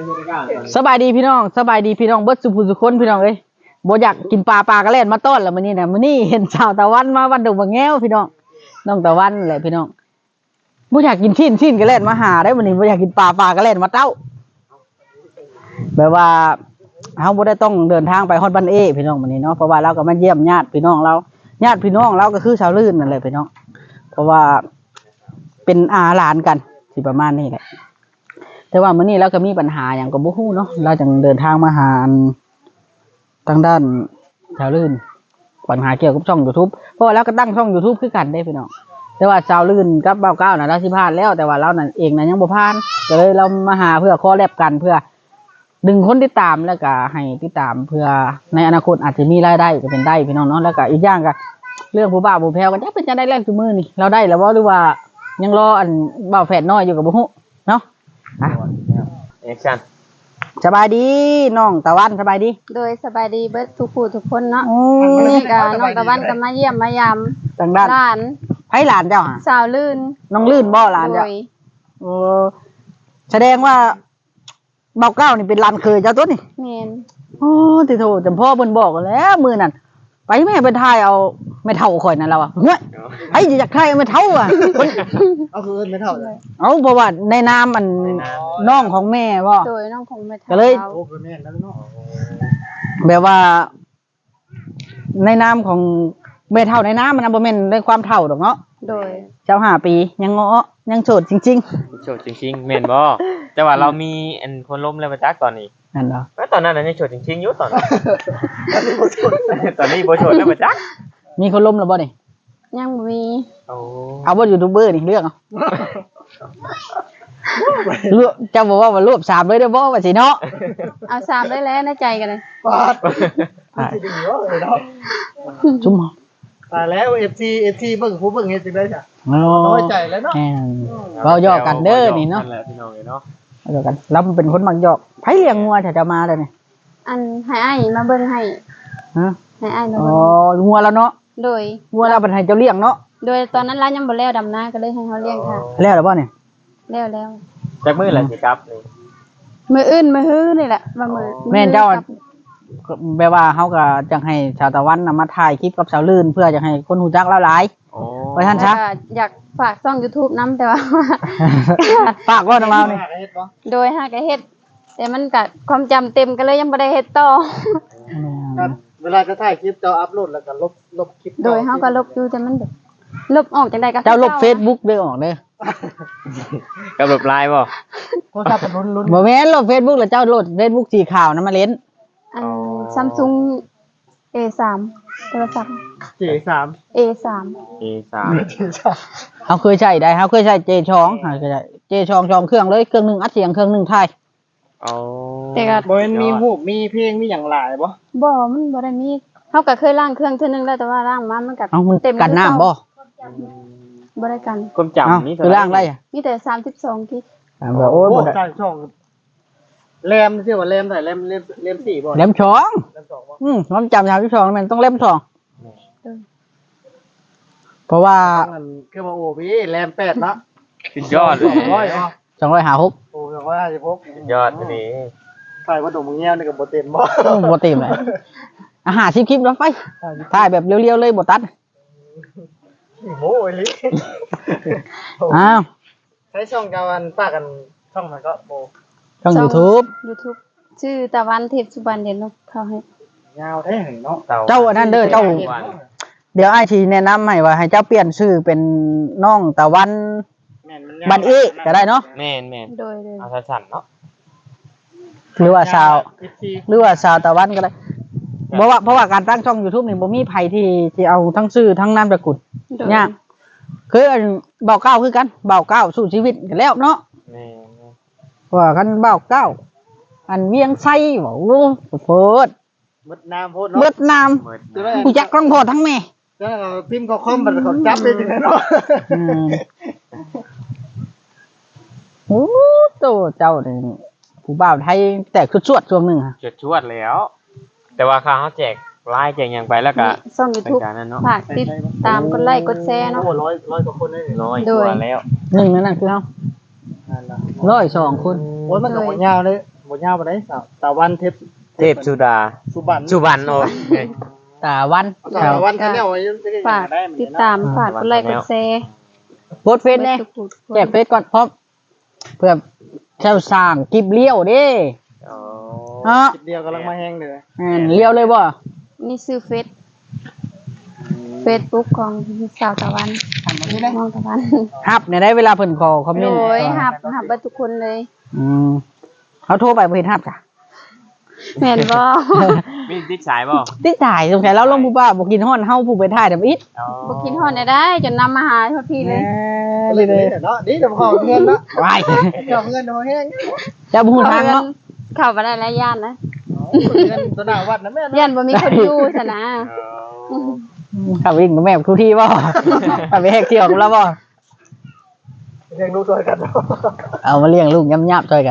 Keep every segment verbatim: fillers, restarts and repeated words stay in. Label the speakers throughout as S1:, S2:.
S1: สบายดีพี่น้องสบายดีพี่น้องเบิดสุภูสุคนพี่น้องเอ้ยบ่อยากกินปลาปลากระเล่นมาต้อนแล้วมื้อนี้น่ะมื้อนี้เห็นชาวตะวันมาวันดงบางแง้วพี่น้องน้องตะวันแหละพี่น้องบ่อยากกินชิ้นชิ้นกระเล่นมาหาได้มื้อนี้บ่อยากกินปลาปลากระเล่นมาเต้าแบบว่าเฮาบ่ได้ต้องเดินทางไปฮอดบ้านเอพี่น้องมื้อนี้เนาะเพราะว่าเราก็มาเยี่ยมญาติพี่น้องเราญาติพี่น้องเราก็คือชาวลื่นนั่นแหละพี่น้องเพราะว่าเป็นอาหลานกันสิประมาณนี้แหละแต่ว่ามื้อนี้เราก็มีปัญหาอย่างกับบ่ฮู้เนาะเราจึงเดินทางมาหาทางด้านชาวลื่นปัญหาเกี่ยวกับช่อง YouTube เพราะว่าเราก็ตั้งช่อง YouTube คือกันได้พี่น้องแต่ว่าชาวลื่นกับเบ้าเก้าน่ะเราสิผ่านแล้วแต่ว่าเรานั่นเองน่ะยังบ่ผ่านก็เลยเรามาหาเพื่อคอแลบกันเพื่อดึงคนติดตามแล้วก็ให้ติดตามเพื่อในอนาคตอาจจะมีรายได้ก็เป็นได้พี่น้องเนาะแล้วก็อีกอย่างก็เรื่องผู้บ่าวผู้แพ้วก็จะเป็นจะได้แรงซุมื้อนี่เราได้แล้วบ่หรือว่ายังรออันบ่าวแฝดน้อยอยู่กับบ่ฮู้เนาะอ่ะ
S2: แอคชั่น
S1: สบายดีน้องตะวันสบายดี
S3: โดยสบายดีเบิดทุกผู้ทุกคนเนาะนี่ก็น้องตะวันก็มาเยี่ยมมายาม
S1: ทางด้าน
S3: หลาน
S1: ไผหลานเจ้าหะ
S3: สาวลื่น
S1: น้องลื่นบ่หลานเจ้าโอ้แสดงว่าเบาเก้านี่เป็นหลานเคยเจ้าตัวนี่
S3: แม่น
S1: โอ้ติโทจำพ่อเพิ่นบอกแล้วมื้อนั้นไปแม่เพิ่นทายเอาแม่เฒ่าข่อยนั่นแล้วอ่ะเฮ้ยไอ้อยากทายแม่เฒ่าอ่ะ
S4: เอาคือแม่เฒ่าเลย
S1: เอาเพราะว่าในนามอันน้องของแม่บ่
S3: โดยน้องของแม่เฒ่า
S1: ก็เลย
S4: โอ้คือแม่แล้วเนาะ
S1: แบบว่าในนามของแม่เฒ่าในนามมันบ่แม่นในความเฒ่าดอกเนาะ
S3: โดย
S1: เจ้าห้าปียังเงาะยังโสดจริง
S2: ๆโสดจริงๆแม่นบ่แต่ว่าเรามีอันคนล้มแล้วมาจักตอนนี้
S1: นั่นเหรอ
S2: แล้วตอนนั้นน่ะยังโสดจริงๆอยู่ตอนนั้นตอนนี้บ่โสดแล้วมาจัก
S1: มีคนล้มแล้วบ่นี่
S3: ยังบ่มี
S2: โอ้
S1: เอาบ่ยูทูบเบอร์นี่เลือกเอาเลือกเจ้าบอกว่าว่ารวบสามเลยเด้อบ่ว่าสิเนาะ
S3: เอาสามได้แล้วในใจกันเลย
S4: ปาดมันสิดีเนาะเนาะ
S1: จุ่ม
S4: ตายแล้ว เอฟ ซี เอฟ ซี เบิ่งผู้เบิ่งเฮ็ดจังได๋จ้ะน้อยใจแล้วเนาะ
S1: เว้าย่อกันเด้อนี่เนาะ
S2: นั่นแหละพี่น้องเนาะ
S1: เดียวกันเราเป็นคนมักหยอกไผเลี้ยงงัวถ้าจะมาได้นี่
S3: อันให้อ้ายมาเบิ่งให้
S1: ฮะ
S3: ให้อ้ายมา
S1: เบิ่งอ๋องัวแล้วเนาะ
S3: โดย
S1: งัวเราเป็นให้เจ้าเลี้ยงเนาะ
S3: โดยตอนนั้นร้านยังบ่แล้วดำนาก็เลยให้เฮาเลี้ยงค่ะ
S1: แล้วหรือบ่นี่
S3: แล้วแล้ว
S2: จักมื้อล่ะสิครับนี่
S3: มื้ออื่นมื้อฮื้อนี่แหละว่ามื้อ
S1: แม่นเจ้าแปลว่าเฮาก็จังให้ชาวตะวันนำมาถ่ายคลิปกับสาวลื่นเพื่อจะให้คนฮู้จักเราหลาย
S2: อ๋อ
S1: ไว้ท่านซะ
S3: อยากฝากช่อง YouTube นำแต่ว่า
S1: ฝากบ่นำเอานี่
S3: โดยหาก็เฮ็ดแต่มันก็ความจำเต็มก็เลยยังบ่ได้เฮ็ดต่อ
S4: เวลาจะถ่ายคลิปเจ้าอัปโหลดแล้วก็ลบลบคลิป
S3: โดยเฮาก็ลบอยู่แต่มันแบบลบออกจังได๋ก็
S1: เจ้าลบ Facebook ได้ออกเด้อ
S2: กับลบไลน์บ่
S4: โทรศัพท์ลุ้น
S1: ๆบ่แม่นลบ Facebook แล้วเจ้าโหลด Facebook สีขาวนั้นมาเล่น
S3: อัน Samsung เอ สาม โทรศัพท์
S4: เจ สาม
S3: เอ สาม
S2: เอ สาม
S1: เฮาเคยใช้ได้เฮาเคยใช้ เจ สอง เฮาเคยใช้ เจ สอง สองเครื่องเลยเครื่องนึงอัดเสียงเครื่องนึงถ่าย
S2: อ๋อ
S3: แต่ก็
S4: บ่แม่นมีรูปมีเพลงมีหยังหลายบ่
S3: บ่มันบ่ได้มีเฮาก็เคยล้างเครื่องเทื่อนึงแล้วแต่ว่าล้างมามันก็
S1: เต็มกันน้ำบ่
S3: บ่ได้กัน
S2: ความจำนี่
S1: คือล้างได้
S3: มีแต่สามสิบสองกิก
S1: แบบโอ้ยบ่ได้
S4: ช่องแรมชื่อว่าแรมเท่าไหร่แรมแรมสี่บ่
S1: แรมสองแรมสองบ่อืมความจำสามสิบสองมันต้องแรมสองเพราะว่า
S4: มันคือว่าโอ้พี่แรมแปดเนาะ
S2: สุดยอดเลย
S1: สองร้อยห้าสิบหก
S4: โอ้สองร้อยห้าสิบหก
S2: สุดยอดนี่
S4: ใส่ว่าดมเงี้ยวนี่ก็บ่เต็มบ่
S1: บ่เต็มเลยอาหารสิบคลิปแล้วไปถ่ายแบบเรียวๆเลยบ่ตัด
S4: โอ้ยลิ
S1: อ้าว
S4: ใช้ช่องกาวันป้ากันช่องมันก็โบ
S1: ช่อง YouTube
S3: YouTube ชื่อตะวันทิพย์สุวรรณเด่นเนาะเขาให้
S4: ยาวแท้เนาะ
S1: เจ้าอันนั้นเด้อเจ้าเดี๋ยวอ้ายสิแนะนำให้ว่าให้เจ้าเปลี่ยนชื่อเป็นน้องตะวันบันอีก็ได้เนาะ
S2: แม่นๆ
S3: โดย
S2: ๆเอาสั้นๆเนาะ
S1: หรือว่าชาวหรือว่าชาวตะวันก็ได้เพราะว่าเพราะว่าการตั้งช่อง YouTube นี่บ่มีไผที่ที่เอาทั้งชื่อทั้งนามสกุลยากคือเบาเก้าคือกันเบาเก้าสู้ชีวิตกันแล้วเนาะ
S2: แม่
S1: ว่ากันเบาเก้าอันเวียงไส้บ่โอ้โพด
S4: มดน้ำโพดเนาะ
S1: มดน้ำกูจักทั้งพ่อทั้งแม่
S4: แล้วพิมพ์เขาคอมบัดเขาจับได้จังได๋เนาะ
S1: โอ้โตเจ้านี่ผู้บ่าวไทยแตกชวดๆช่วงนึงฮะ
S2: ชวดๆแล้วแต่ว่าค่าเฮาแจกไลน์แจกหยังไปแล้วก็
S3: ช่อง YouTube ฝากติดตามกดไลค์กดแชร์เนาะ
S4: โอ้ร้อย ร้อยกว่าคนได้
S2: ร้อยกว่าแล้ว
S1: หนึ่งนั่นน่ะคือเฮาร้อยสองคน
S4: โอ้ยมันก็บ่ยาวเลยบ่ยาวปานใดสาวตะวันเทพ
S2: เทพสุดา
S4: สุบัน
S2: สุวรรณโอ้ย
S1: ตาวัน
S4: ตะวันคะแนนไว้จะ
S3: ฝาก
S4: ได้มัน
S3: ติดตามฝากกดไลค์กดแชร์
S1: โพสต์เฟซแน่แจกเฟซก่อนพร้อมเพื่อเจ้าสร้างคลิปเลี้ยวเด้
S2: อ๋อ
S1: ฮะ
S4: คลิปเดียวกำลังมาแห้งเลย
S1: แม่นเลี้ยวเลยบ่
S3: นี่ซื้อเฟซเฟซบุ๊กของสาวตะวันน้องตะวัน
S1: ฮับเนี่ยได้เวลาเพิ่นขอคอมเม
S3: โด
S1: นต์
S3: ยหับหับเบิดทุกคนเลย
S1: อืมเขาโทรไปบ่เห็นฮับจ้ะ
S3: แม่นบ่
S2: มีติดสายบ่
S1: ติดถ่ายสงสัยเราลงผู้บ้าบ่กินฮ้อนเฮาผู้ไปถ่ายดํอิด
S2: อ๋อ
S3: บ่กินฮอดได้ได้จนนำมาหาทุกทีเลย
S4: เลยเลยเนาะนี่จะพอเงินเนาะ
S1: วาย
S4: เดี๋ยวเงินมาแห้ง
S1: เจ้าบ่ฮู้ทางเนาะ
S3: เข้าบ่ได้หลายย่านนะ
S4: เงินตัวหน้าวัดนะแม่
S3: ย่านบ่มีคนอยู่ซะนะ
S2: อ๋อ
S1: ขับวิ่งกับแม่ทุกที่บ่ขับไปแหกเที่ยวกับเราบ่
S4: เลี้ยงลูกตัวกันเนาะ
S1: เอามาเลี้ยงลูกย่ำๆช่วยกัน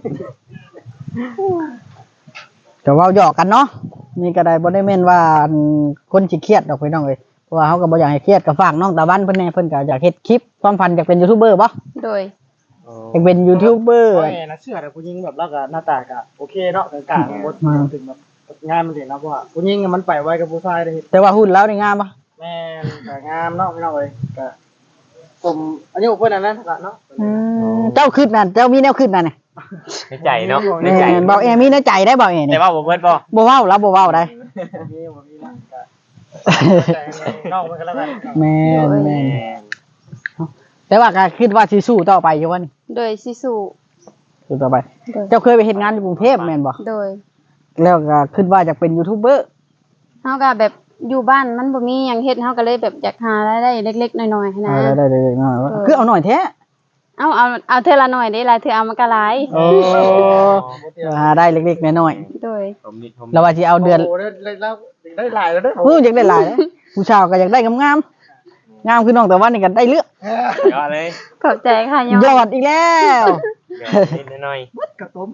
S1: ก็เว้าหยอกกันเนาะนี่ก็ได้บ่ได้แม่นว่าคนสิเครียดดอกพี่น้องเอ้ยเพราะว่าเฮาก็บ่อยากให้เครียดก็ฝากน้องตะวันเพิ่นแน่เพิ่นก็อยากเฮ็ดคลิปความฝันอยากเป็นยูทูบเบอร์บ่
S3: โดย
S1: อยากเป็นยูทูบเบอร์
S4: โอ้ยนะเชื่อแต่ผู้หญิงแบบแล้วก็หน้าตาก็โอเคเนาะกลางๆบ่ถึงแบบงานมันสิเนาะเพราะว่าผู้หญิงมันไปไวกับผู้ชายได้
S1: แต่ว่าหุ่นแล้วนี่งามบ่
S4: แม่นก็งามเนาะพี่น้องเอ้ยก็ผมอายุเพิ่นอันนั้นเนาะ
S1: อืมเจ้าขึ้นนั่นเจ้ามีแนวขึ้นนั่นน่ะ
S2: ในใจเนาะใน
S1: แม่
S2: ใจ
S1: นบ่แอมีในใจได้บ่แอ
S2: แต่
S1: นี่
S2: ว่าบ่เบิดบ่
S1: บ่เว้าแล้วบ่เว้าได้
S4: มีบ่มีนะก็น้องมันก็แล้วกัน
S1: แม่นแม่
S2: แม่
S1: นแต่ว่าก็คิดว่าสิสู้ต่อไปอยู่ว่านี่
S3: โดยสิสู่
S1: สู้ต่อไป
S3: โดย
S1: เจ้าเคยไปเฮ็ดงานอยู่กรุงเทพแม่นบ่
S3: โดย
S1: แล้วก็คิดว่าจะเป็นยูทูบเบอร์
S3: เฮาก็แบบอยู่บ้านมันบ่มีหยังเฮ็ดเฮาก็เลยแบบอยากหารายได้เล็กๆน้อยๆหั้นนะ
S1: เอาได้ๆๆหน่อยคือเอาหน่อยแท้
S3: เอาเอาเอาเทื่อละหน่อยได้หลายเทื่อเอามันก็หลาย
S1: โอ้หาได้เล็กๆน้อย
S3: โดย
S2: ผมนิดผม
S1: ๆแล้วว่าสิเอาเดือน
S4: โอ้ได้แล้วได้หลายแล้วเด้อ
S1: เอออยากได้หลายนะผู้ชายก็อยากได้งามๆงามคือน้องแต่ว่านี่ก็ได้เลือก
S2: ยอดเลย
S3: ขอบใจค่ะย
S1: ย
S3: อ
S1: อ
S3: ด
S1: ดอีกแล้ว
S2: นิดหน่อย
S4: กระตุ้ม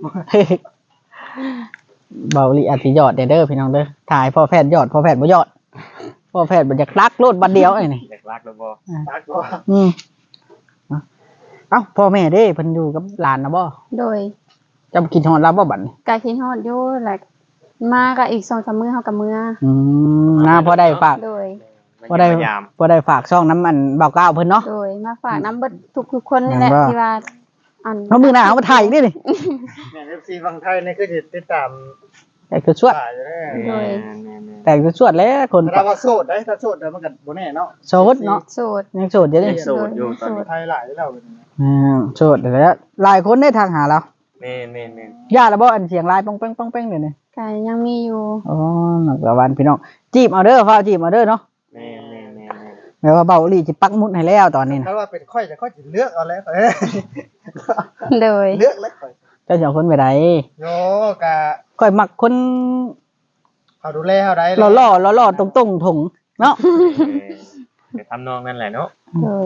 S1: เบาลีอาจสิยอดเด้อเด้อพี่น้องเด้อถ่ายพ่อแพทย์ยอดพ่อแพทย์บ่ยอดพ่อแพทย์บ่อยากรักโลดบัดเดียวไอ้นี่
S2: อยากรักแล้วบ่
S4: ตักบ่
S1: อืมเอ้าพ่อแม่เด้เพิ่นอยู่กับหลานนะบ่
S3: โดย
S1: จะกินฮอดรับบ่บัดนี้
S3: กาคิดฮอดอยู่แหละมาก็อีกสองสามมื้อเฮาก็มื้อ
S1: อืมนะพอได้ฝาก
S3: โดย
S1: พอได้
S2: พยายาม
S1: พอได้ฝากช่องน้ำมันเบาเก้าเพิ่นเนาะ
S3: โดยมาฝากน้ำเบิดทุกทุกๆคนนี่แหละ
S1: ว่า
S3: ที่ว่าอัน
S1: เฮามื้อหน้าเอามาถ่ายอีกนี่นี่
S4: แม่ เอฟ ซี ฝั่งไทยนี่คือสิติดตาม
S1: แต่คือสวด
S4: ถ่ายอยู่แน่
S3: โดย
S1: แต่คือสวดแล้วคน
S4: ถ้าว่าโสดได้ถ้าโสดได้มันก็บ่แน่เนาะ
S1: โสดเนาะ
S3: โสด
S1: ยังโสดอยู่นี่
S2: โสดอยู่ตอนนี้
S4: ไทยหลายแล้ว
S1: อืมโสดแล้วหลายคนได้ทางหาเรา
S2: แม่นแม่นแม่น
S1: ญาติแล้วบ่อันเสียงลายป้องแป้งป้องแป้งเดี๋ยวนี้
S3: ก็ยังมีอยู่
S1: อ๋อนักวันพี่น้องจีบเอาเด้อฟ้าจีบเอาเด้อเนาะ
S2: แม่นแม่นแม่นแม่น
S1: แม้ว่าเบาอีหลีสิปักหมุดให้แล้วตอนนี้นะ
S4: ถ้าว่าเป็นค่อยจะค่อยสิเลือกเอาแล้วเอ้ย
S3: โดย
S4: เลือกแล้วค่อย
S1: เจ้าสองคนไปไหน
S4: โยกะ
S1: ค่อยมักคน
S4: เขาดูแลเฮาได้
S1: หล่อหล่อหล่อหล่อตรงตรงๆถงเนาะ
S2: ไปทำนองนั่นแหละเนาะ
S3: โดย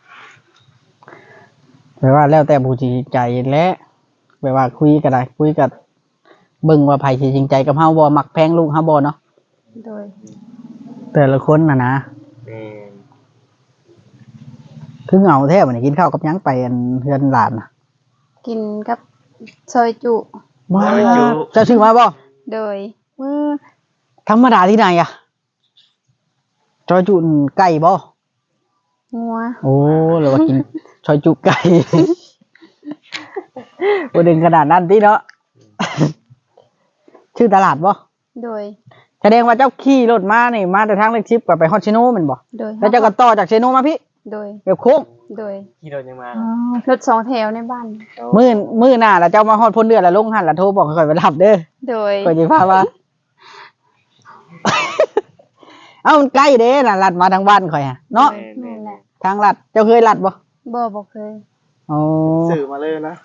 S1: แปลว่าแล้วแต่ผู้จริงใจและแปลว่าคุยกันได้คุยกับเบิ่งว่าไผสิจริงใจกับเฮาบ่มักแพงลูกเฮาบ่เนาะ
S3: โดย
S1: แต่ละคนน่ะนะ
S2: แม่น
S1: คือเหงาแท้บัดนี้กินข้าวกับหยังไปอันเฮือนหลานน่ะ
S3: กินกับซอยจุ
S1: ว้าเจ้าชื่อมาบ่
S3: โดย
S1: เออธรรมดาที่ไหนอ่ะจอยจุนไก่บ่
S3: งัว
S1: โอ้หรือว่ากิน ชอยจุไก่ บ่ดึงขนาดนั้นติเนาะ ชื่อตลาดบ่
S3: โดย
S1: แสดงว่าเจ้าขี่รถมานี่มาแต่ทางเลขชิปก็ไปฮอดชิโนแม่นบ่
S3: โดย
S1: แล้วเจ้าก็ต่อจากชิโนมาพี่
S3: โดย
S1: แบบโค้ง
S3: โดย
S2: ขี่รถยังมา
S3: รถสองแถวในบ้าน
S1: มื้อมื้อหน้าแล้วเจ้ามาฮอดพ้นเดือนแล้วลงหันแล้วโทรบอกให้ข่อยไปรับเด้อ
S3: โดย
S1: ข่อยสิพาว่า เอ้ามันใกล้เด้น่ะลัดมาทางบ้านข่อยอ่ะเนาะ
S2: แม่นแม่
S3: นั่
S2: น
S3: นแหละ
S1: ทางลัดเจ้าเคยลัดบ่
S3: บ่บ่เคย
S1: อ๋อ
S4: สื่อมาเลยนะ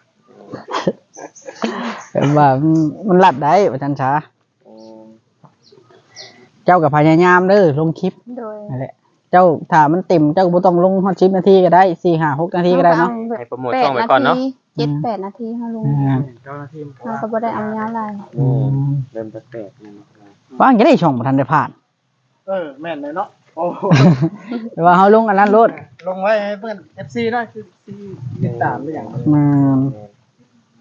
S1: แบบว่ามันมันลัดได้ว่าจันช้า
S2: อืม
S1: เจ้าก็พยายามเด้อลงคลิป
S3: โดย
S1: นั่นแหละเจ้าถ้ามันเต็มเจ้าก็บ่ต้องลงฮอดสิบนาทีก็ได้สี่ ห้า หกนาทีก็ได้เนาะ
S2: ให้โปรโมทช่องไว้ก่อนเนาะ
S3: เจ็ดแปดนาทีเฮาลง
S1: อืม
S4: เจ้าหน้าที่มัน
S3: เฮาก็บ่ได้เอายาวหลาย
S2: อืมเริ่มแปลกๆนะ
S1: ว่างจะได้ช่องบ่ทันได้ผ่าน
S4: เออแม่นเลยเนาะโอ้
S1: แต่ว่าเฮาลงอันนั้นโลด
S4: ลงไว้ให้เพื่อน เอฟ ซี นะคือซีติดตามได้อย่าง
S1: อืม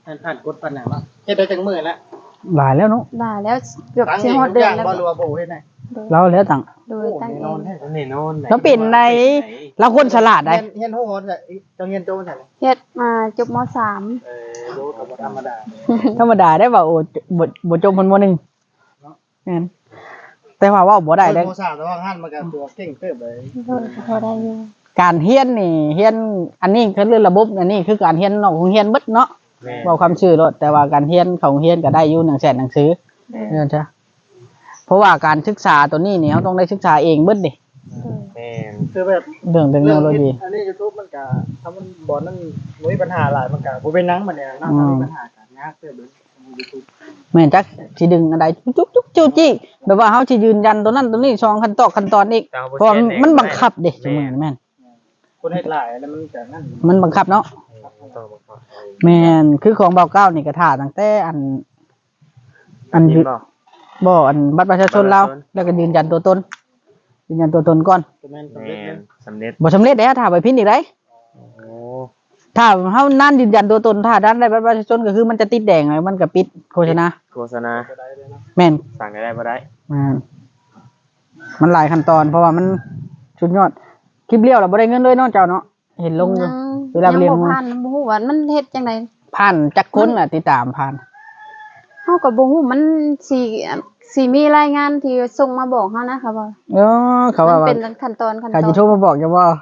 S4: ผ่านผ่านกดปันหนังเนาะเฮ็ดได้จังมื้อแล้ว
S1: หลายแล้วเนาะ
S3: ได้แล้วเกือบ
S4: ตั้ง
S3: สิ
S4: เอง
S3: ฮอด
S4: ทุก
S3: เดื
S4: อ
S3: อน
S4: ย่าง
S3: แล้ว
S4: บ่รู้ว่าโบเฮ็ดได้
S1: เราแล้วต่าง
S3: โดยตั้งเอง
S2: นี่โน่น
S1: แล้วเป็นในเราคนฉลาดได้
S4: เฮียนเฮียนโหดจ้ะจังเฮียนโตจ้ะ
S3: เฮ็ดมาจบมสาม
S4: เออรู้ก็บ่ธรรมดา
S1: ธรรมดาได้ว่าโอ้บ่บ่จมคนมหนึ่งแม่นแต่ว่าเว่าบ่ได้เด้
S4: โมซาแต่ว่าหันมากับตัวเก่งเติบเลย
S3: โดยพอได้อยู่
S1: การเฮียนนี่เฮียนอันนี้คือเรื่องระบบอันนี้คือการเฮียนนอกของเฮียนเบิดเนาะ
S2: แม่
S1: เว้าคำชื่อรถแต่ว่าการเฮียนของเฮียนก็ได้อยู่หนึ่งแสนหนังสือเนั่นใช่เพราะว่าการศึกษาตัวนี้เนี่ยเราต้องได้ศึกษาเองเบิดเด้
S2: แม่
S4: คือแบบ
S1: เรื่องเทคโนโลยี
S4: อันนี้ YouTube มันก็ถ้ามันบ่นั่นมีปัญหาหลายมันก็บ่เป็นหนังมันเนี่ยเนาะถ้ามีปัญหากันยากเติบเลย YouTube
S1: แม่นจักสิดึงอะไรจุ๊กจุ๊กจู้จี้แบบว่าเฮาสิยืนยันตัวนั้นตัวนี้สองขั้นตอนขั้นตอนอีกเพราะมันบังคับเด้จังซี่แม่น
S4: คนเฮ็ดหลายแล้วมันก็นั่น
S1: มันบังคับเนาะแม่นคือของเบาเก้านี่ก็ท่าตั้งแต่อัน อัน
S2: ยินบ่
S1: บ่อันบัตรประชาชนเราแล้วก็ยืนยันตัวตนยืนยันตัวตนก่อน
S4: ก็แม่นสำ
S2: แม่
S4: เร็จเลย
S2: สำเร็จ
S1: บ่สำเร็จแล้วถ้าไปพิมพ์อีกได้
S2: โอ้
S1: ถ้าเฮานั่นยืนยันตัวตนถ้าด้านได้บัตรประชาชนก็คือมันจะติดแดงเลยมันก็ปิดโฆษณา
S2: โฆษณา
S4: ก็ได้เลยเนาะ
S1: แม่น
S2: สั่งได้บ่ได้
S1: แม่นมันหลายขั้นตอนเพราะว่ามันสุดยอดคลิปเลี้ยวเราบ่ได้เงินเลยเนาะเจ้าเนาะเห็นลงอยู่ เวลาไปเรียน
S3: งบ่ผ่านบ่ฮู้ว่ามันเฮ็ดจังได๋
S1: ผ่านจักคนน่ะติดตามผ่าน
S3: เฮาก็บ่ฮู้มันสิสิมีรายงานที่ส่งมาบอกเฮานะคะว่า
S1: เออเขาว่า
S3: มัน
S1: ว่า
S3: เป็นขั้นตอนขั้นต
S1: ใคร
S3: อน
S1: จะโทรมาบอกจะว่า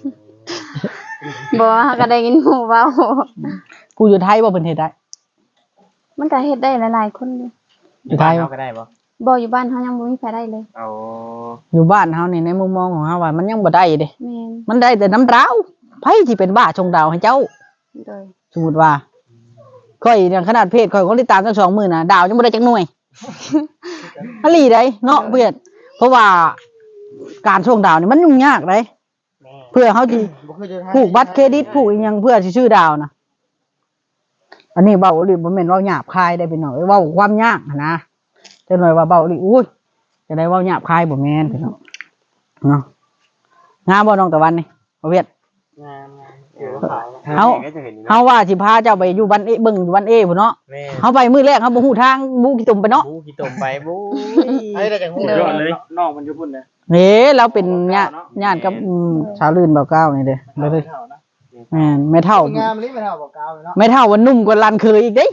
S3: บ่เฮาก็ได้ยินหมู่เว้า
S1: กูอยู่ไทยบ่เพิ่นเฮ็ดได้
S3: มันก็เฮ็ดได้หลายๆคนอยู่
S1: อยู่ไทย
S2: เฮาก็ได้บ่
S3: บ่อยู่บ้านเฮายังบ่มีไผได้เลย
S2: เอา
S1: อยู่บ้านเฮานี่ในมุมมองของเฮาว่ามันยังบ่ได้เด้
S3: แม่น
S1: มันได้แต่น้ำดาวไผสิเป็นบ้าชงดาวให้เจ้า
S3: โดย
S1: สมมุติว่าค่อยอย่างขนาดเพจค่อยคนติดตามตั้งสองหมื่นน่ะดาวยังบ่ได้จักหน่วย อลีได้เนาะเพื่อนเพราะว่าการส่งดาวนี่มันยุ่งยากเด้เพื่อเฮาสิ
S4: บ่คือจะทาย
S1: ผูกบัตรเครดิตผูกอีหยังเพื่อสิชื่อดาวนะอันนี้เบาอีหลีบ่แม่นเว้าหยาบคายได้พี่น้องเอ้ยเว้าความยากหั้นนะจังหน่อยว่าเบาอีหลีอุ้ยจะได้เว้าหยาบคายบ่แม่นพี่น้องเนาะงามบ่น้องตะวันนี่บ่เวียด
S4: งานงานเกี่ยวกับขายนะ
S1: เฮา
S2: ก็จะเห็นนี่
S1: เฮาว่าสิพาเจ้าไปอยู่บ้านเอเบิ่งอยู่บ้านเอพุ่นเนาะ
S2: แม่
S1: เฮาไปมื้อแรกเฮาบ่ฮู้ทางบูกี่ตุ่มไปเนาะ
S2: บูกี่ตมไปบู
S4: ให้ได้จังฮู้
S2: สุดยอดเลย
S4: น้องมันอยู่พุ่นเด้
S1: เฮ้เราเป็นญาติญาติกับอืมชาวลื่นเบาเก้านี่เด้เด้อเด้อ
S4: เท่านะ
S1: แม่นไม่เท่า
S4: งามลิไม่เท่าบอกกาวเลยเนาะ
S1: ไม่เท่าว่านุ่มกว่าลันเคยอีกเด้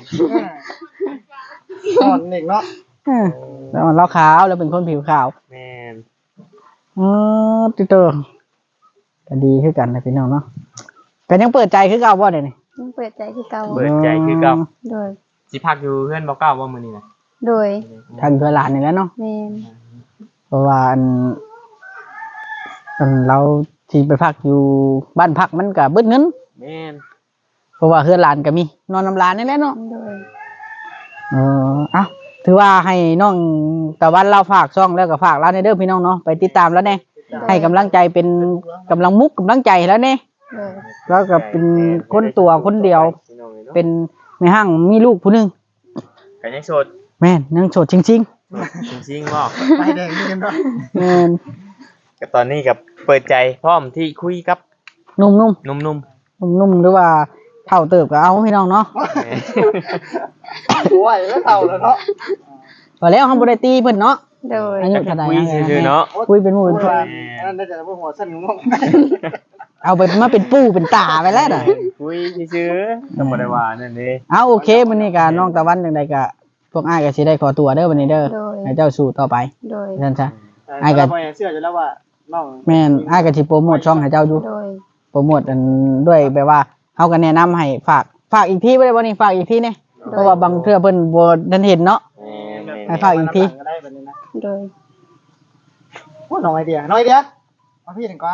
S4: อ่อนอีกเนาะ
S1: เออแล้วเราขาวแล้วเป็นคนผิวขาว
S2: แม่น
S1: อ๋อติเตอร์ก็ดีคือกันนะพี่น้องเนาะก็ยังเปิดใจคือเก่าบ่เดี๋ยวนี้
S3: ยังเปิดใจคือเก่า
S2: เปิดใจคือเก่า
S3: โดย
S2: สิพักอยู่เพื่อนบ่เก้าว่ามื้อนี้น่ะ
S3: โดย
S1: ทางเพื่อหลานนี่แหล้วเนาะ
S3: แม่น
S1: เพราะว่าอันอันเราที่ไปพักอยู่บ้านพักมันก็เบิดเงิน
S2: แม่น
S1: เพราะว่าเพื่อนหลานก็มี นอนน้ำหลานนี่แหละเนาะ
S3: โดย
S1: เออเอ้าถือว่าให้น้องตะวันเราฝากช่องแล้วก็ฝากร้านในเด้อพี่น้องเนาะไปติดตามแล้วแน่ให้กำลังใจเป็นกำลังมุกกำลังใจแล้วแน่
S3: โดย
S1: แล้วก็เป็นคนตัวคนเดียว เป็นแม่ห้างมีลูกผู้หนึง
S2: กันยังโสด
S1: แม่นยังโสดจริง
S2: จริงๆบ่
S4: ไปแดงนี่กันเนาะ
S1: ๆแม่น
S2: ก็ตอนนี้กับเปิดใจพร้อมที่คุยกับ
S1: นุ่มๆ
S2: หนุ่ม
S1: นุ่มๆหรือว่าเท่าเติบก็เอาพี่น้องเนาะ
S2: ๆ
S4: โอ้ยแล้วเท่าแล้วเนาะ
S1: พอแล้วเฮาบ่ได้ตีเพิ่นเนาะ
S3: โดย
S1: อายุเท่าใด
S2: คุยซื่อๆเนาะ
S1: คุยเป็นหมู่เป็นเพื่อน
S4: นั่นได้แต่พวกหัวสั้นงง
S1: เอาไปมาเป็นปู่เป็นตาไปแล้วน่ะ
S2: คุยซื่อๆก็บ่ได้ว่านั่นเด้
S1: เอาโอเคมื้อนี้ก็น้องตะวันจังไดก็พวกอ้ายก็สิได้ขอตัวเด้อวันนี้เด้อ
S3: โดย
S1: ให้เจ้าสู้ต่อไป
S3: โดย
S1: นั่นซะ
S4: ไอ้กันเชื่ออยู่แล้วว่าน้อง
S1: แม่นอ้ายก็สิโปรโมทช่องให้เจ้าอยู่
S3: โดย
S1: โปรโมทอันด้วยแบบว่าเฮาก็แนะนำให้ฝากฝากอีกทีบ่ได้บ่นี่ฝากอีกทีนี่เพราะว่าบางเทื่อเพิ่นบ่ทันเห็นเนาะ ให้ฝากอีกที
S4: ก็ได้แบบนี้นะ
S3: โดย
S4: พูดน้องไอเดียน้องไอเดียมาพี่หนึ่งกว่า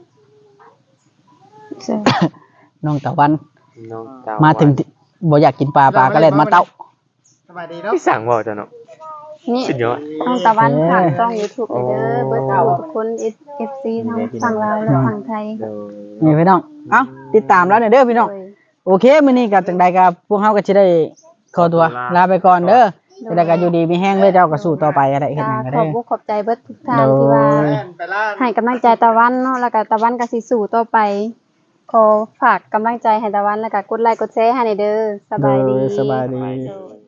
S3: เชื่อ
S1: น้องตะวัน
S2: น้องเจ้
S1: มาถึงที่บ่อยากกินปลาปลาก็เล่นมาเต้า
S4: สบายดีเนาะ
S2: พี่สั่งบ่จ้ะเนาะ
S3: นี่
S2: สุดยอด
S3: น้องตะวันผ่านช่อง YouTube ไปเด้อเบิดทุกคน เอฟ ซี ทั้งฝั่งลาวและฝั่งไทย
S2: เดี๋ยว
S1: นี่พี่น้องเอ้าติดตามแล้วเนี่ยเด้อพี่น้อง
S3: โดย
S1: โอเคมื้อนี้ก็จังใดก็พวกเฮาก็สิได้ขอตัวลาไปก่อนเด้อจังใดก็อยู่ดีมีแห้งเด้อเจ้าก็สู้ต่อไปอะไรเฮ็ดหยังก็
S3: ขอ
S1: ได้
S3: บคุณขอบใจเบิดทุกท่านที่ว่า
S4: ไปล่า
S3: ให้กำลังใจตะวันเนาะแล้วก็ตะวันก็สิสู้ต่อไปขอฝากกำลังใจให้ตะวันแล้วก็กดไลค์กดแชร์ให้ในเด้อสบายดี
S1: เด้อสบายดี
S3: โดย